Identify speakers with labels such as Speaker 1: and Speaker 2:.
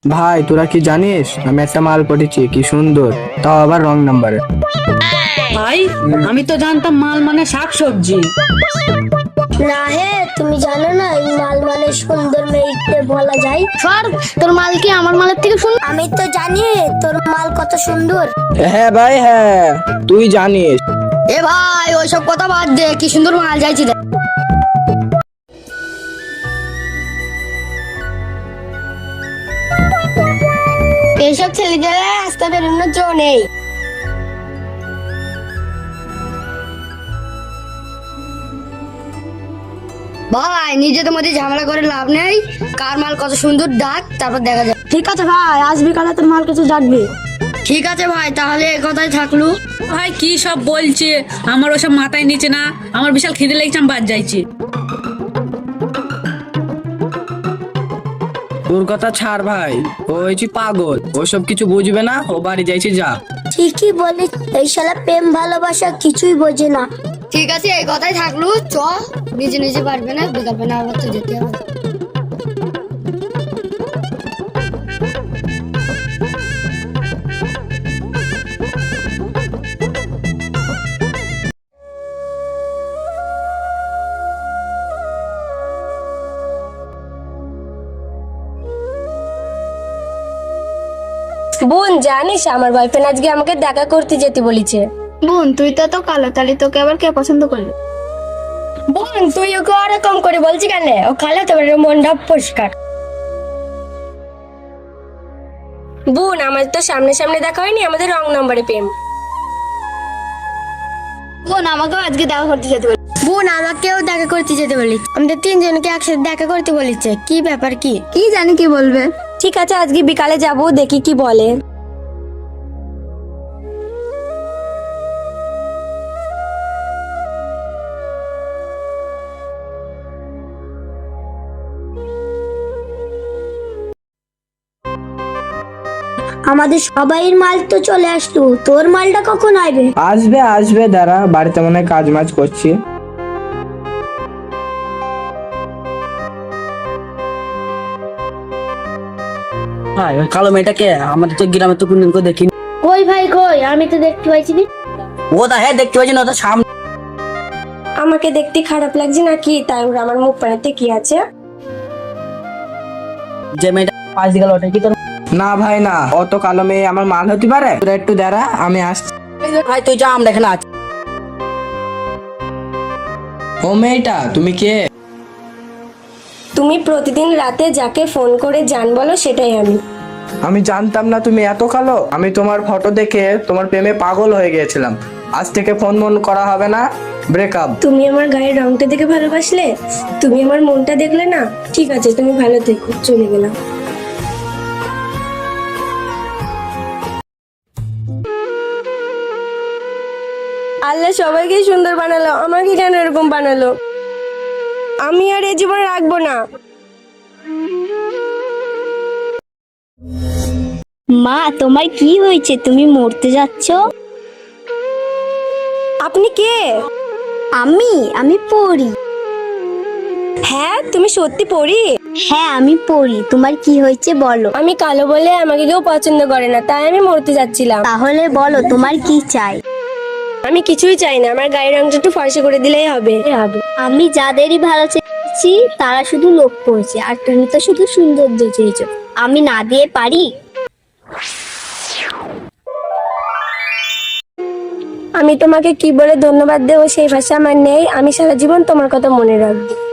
Speaker 1: ভাই তোরা কি জানিস আমি একটা মাল পটেছি, কি সুন্দর, তাও আবার রং নাম্বারে।
Speaker 2: ভাই আমি তো জানতাম মাল মানে শাকসবজি।
Speaker 3: না হে, তুমি জানো না এই মাল মানে সুন্দর মেয়েকে বলা যায়।
Speaker 4: সর, তোর মাল কি আমার মালের থেকে সুন্দর?
Speaker 3: আমি তো জানি তোর মাল কত সুন্দর।
Speaker 1: হ্যাঁ ভাই হ্যাঁ, তুই জানিস।
Speaker 4: এ ভাই ওইসব কথা বাদ দে, কি সুন্দর মাল যাইছি দেখ। এইসব ছেলেদের রাস্তা বেরোনোর জো নেই। ভাই নিজেদের মধ্যে ঝামেলা করে লাভ নেই, কার মাল কত সুন্দর ডাক, তারপর দেখা যাবে।
Speaker 3: ঠিক আছে ভাই, আজ বিকালে তোর মাল কিছু ডাকবি।
Speaker 4: ঠিক আছে ভাই, তাহলে এ কথাই থাকলো।
Speaker 2: ভাই কি সব বলছে, আমার ওসব মাথায় নিচে না, আমার বিশাল খিদে লেগেছে, আমি বাদ যাইছি।
Speaker 1: তোর কথা ছাড় ভাই, ও হয়েছি পাগল, ওসব কিছু বুঝবে না, ও বাড়ি যাইছি যা।
Speaker 3: ঠিকই বলিস, এই শালা প্রেম ভালোবাসা কিছুই বোঝে না।
Speaker 4: ঠিক আছে এই কথাই থাকলো, চ নিজে নিজে পারবে না, বিকাল বেলা আবার তো যেতে হবে।
Speaker 3: বোন জানিস আমার বয়ফ্রেন্ড আজকে আমাকে দেখা করতে যেতে বলেছে।
Speaker 4: বোন তুই তো কালো, তাহলে তোকে আবার কে পছন্দ করলো?
Speaker 3: বোন তুই ওকে ওরকম করে বলছি কেন? ও কালো, তোমার মনটা পরিষ্কার। বোন আমাদের তো সামনে সামনে দেখা হয়নি, আমাদের রং নম্বরে প্রেম।
Speaker 4: বোন আমাকেও আজকে দেখা করতে যেতে বলি।
Speaker 3: বোন আমাকেও দেখা করতে যেতে বলেছে, আমাদের তিনজনকে একসাথে দেখা করতে বলেছে। কি ব্যাপার কি?
Speaker 4: কি জানি কি বলবে।
Speaker 3: ঠিক আছে আজকে বিকালে যাব, দেখি কি বলে। আমাদের সবাইয়ের মাল তো চলে আসলো, তোর মালটা কখন আসবে?
Speaker 1: আসবে আসবে, দাঁড়া, বাড়িতে মনে হয় কাজ মাজ করছি।
Speaker 5: ভাই ওই কালো মেয়েটাকে আমাদের তো গ্রামে তো কোনদিন কেউ দেখিনি।
Speaker 3: কই ভাই কই, আমি তো দেখতে পাইছি না।
Speaker 5: ও দা হ্যাঁ দেখতে পাচ্ছি না, ওটা সামনে।
Speaker 3: আমাকে দেখতে খারাপ লাগছে নাকি? তাই ওর আমার মুখ পানাতে কি আছে?
Speaker 5: যে মেয়েটা পাশ দিয়ে গেল ওটা কি তোর?
Speaker 1: না ভাই না, অত কালো মেয়ে আমার মাল হতে পারে? তোরা একটু দাঁড়া, আমি আসছি।
Speaker 5: ভাই তুই যা, আমরা এখানে আছি।
Speaker 1: ও মেয়েটা তুমি কে?
Speaker 3: তুমি প্রতিদিন রাতে যাকে ফোন করে জান বলো সেটাই আমি।
Speaker 1: আমি জানতাম না তুমি এত কালো। আমি তোমার ফটো দেখে তোমার প্রেমে পাগল হয়ে গিয়েছিলাম। আজ থেকে ফোন মন করা হবে না, ব্রেকআপ।
Speaker 3: তুমি আমার গায়ের রংটা দেখে ভালোবাসলে, তুমি আমার মনটা দেখলে না। ঠিক আছে তুমি ভালো থেকো, চলে গেলাম। আল্লাহ সবাইকে সুন্দর বানালো, আমাকে কেন এরকম বানালো? আমি আর এই জীবনে রাখবো না।
Speaker 6: মা তোমার কি হয়েছে, তুমি মরতে যাচ্ছ?
Speaker 3: আপনি কে?
Speaker 6: আমি পড়ি।
Speaker 3: হ্যাঁ তুমি সত্যি পড়ি?
Speaker 6: হ্যাঁ আমি পড়ি, তোমার কি হয়েছে বলো।
Speaker 3: আমি কালো বলে আমাকে কেউ পছন্দ করে না, তাই আমি মরতে যাচ্ছিলাম।
Speaker 6: তাহলে বলো তোমার কি চাই।
Speaker 3: আমি কিছুই চাই না, আমার গায়ের রংটা একটু ফর্সা করে দিলেই হবে।
Speaker 6: আমি যাদেরই ভালো চেয়েছি তারা শুধু লোক করেছে, আর তুমি তো শুধু সৌন্দর্য চেয়েছো, আমি না দিয়ে পারি?
Speaker 3: আমি তোমাকে কি বলে ধন্যবাদ দেবো সেই ভাষা আমার নেই। আমি সারা জীবন তোমার কথা মনে রাখবো।